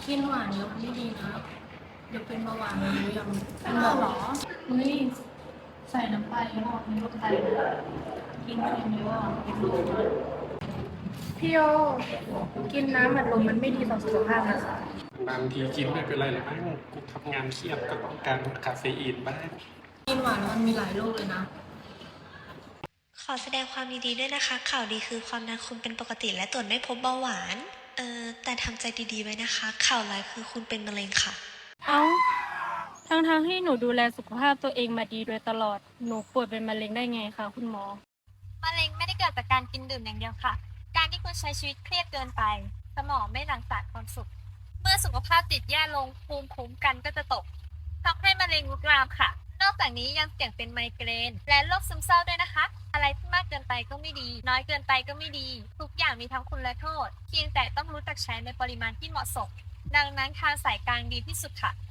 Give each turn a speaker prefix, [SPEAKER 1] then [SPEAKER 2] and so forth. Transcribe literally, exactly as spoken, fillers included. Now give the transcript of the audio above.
[SPEAKER 1] กินหวานเยอะไม่ดีนะเดี๋ยวเป็นเบาหวานนะรู้ยังเป็นเบาหรอเฮ้ยใส่น้ำปลาเยอะมีโรคไตนะกินเค็มเยอะเป็นโรคพี่โยกินน้ำอัดลมมันไม่ดีต่อสุขภาพนะคะ
[SPEAKER 2] บางทีกินไม่เป็นไรหรอกมั้งกูทำงานเครียดก็ต้องการคาเฟอีนบ้าง
[SPEAKER 1] กินหวานแล้วมันมีหลายโรคเลยนะ
[SPEAKER 3] ขอแสดงความยินดีด้วยนะคะ ข่าวดีคือความดันคุณเป็นปกติและตรวจไม่พบเบาหวาน เอ่อ แต่ทำใจดีๆไว้นะคะ ข่าวร้ายคือคุณเป็นมะเร็งค่ะ
[SPEAKER 4] เอ้าทั้งๆทที่หนูดูแลสุขภาพตัวเองมาดีโดยตลอด หนูป่วยเป็นมะเร็งได้ไงคะคุณหมอ
[SPEAKER 5] มะเร็งไม่ได้เกิดจากการกินดื่มอย่างเดียวค่ะ การที่คุณใช้ชีวิตเครียดเกินไป สมองไม่หลั่งสารความสุข เมื่อสุขภาพจิตแย่ลงภูมิคุ้มกันก็จะตกทำให้มะเร็งลุกลามค่ะ นอกจากนี้ยังเสี่ยงเป็นไมเกรนและโรคซึมเศร้าด้วยนะคะ อะไรที่มากเกินไปก็ไม่ดี น้อยเกินไปก็ไม่ดี ทุกอย่างมีทั้งคุณและโทษ เพียงแต่ต้องรู้จักใช้ในปริมาณที่เหมาะสม ดังนั้นทางสายกลางดีที่สุดค่ะ